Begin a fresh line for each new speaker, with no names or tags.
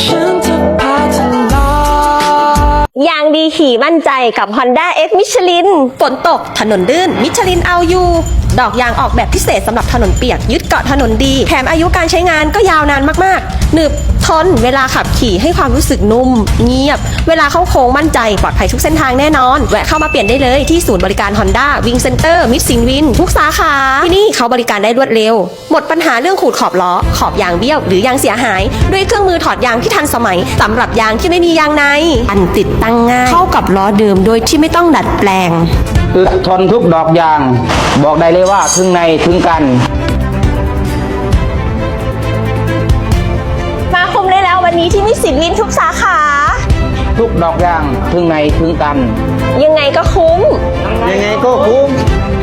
ฉันจะพาเธอลอย
ยางดีขี่มั่นใจกับ Honda X Michelin ฝนตกถนนลื่นมิชลินเอาอยู่ดอกยางออกแบบพิเศษสำหรับถนนเปียกยึดเกาะถนนดีแถมอายุการใช้งานก็ยาวนานมากๆหนึบทนเวลาขับขี่ให้ความรู้สึกนุ่มเงียบเวลาเข้าโค้งมั่นใจปลอดภัยทุกเส้นทางแน่นอนแวะเข้ามาเปลี่ยนได้เลยที่ศูนย์บริการ Honda Wing Center มิตรสินวินทุกสาขาที่นี่เขาบริการได้รวดเร็วหมดปัญหาเรื่องขูดขอบล้อขอบยางเบี้ยวหรือยางเสียหายด้วยเครื่องมือถอดยางที่ทันสมัยสำหรับยางที่ไม่มียางในอันติดตั้งง่ายเข้ากับล้อเดิมโดยที่ไม่ต้องดัดแปลง
อึดทนทุกดอกยางบอกได้เลยว่าถึงในถึงกัน
มาคุมได้แล้ววันนี้ที่มิตรสินวินทุกสาขา
ทุกดอกยางถึงในถึงกัน
ยังไงก็คุ้ม
ยังไงก็คุ้ม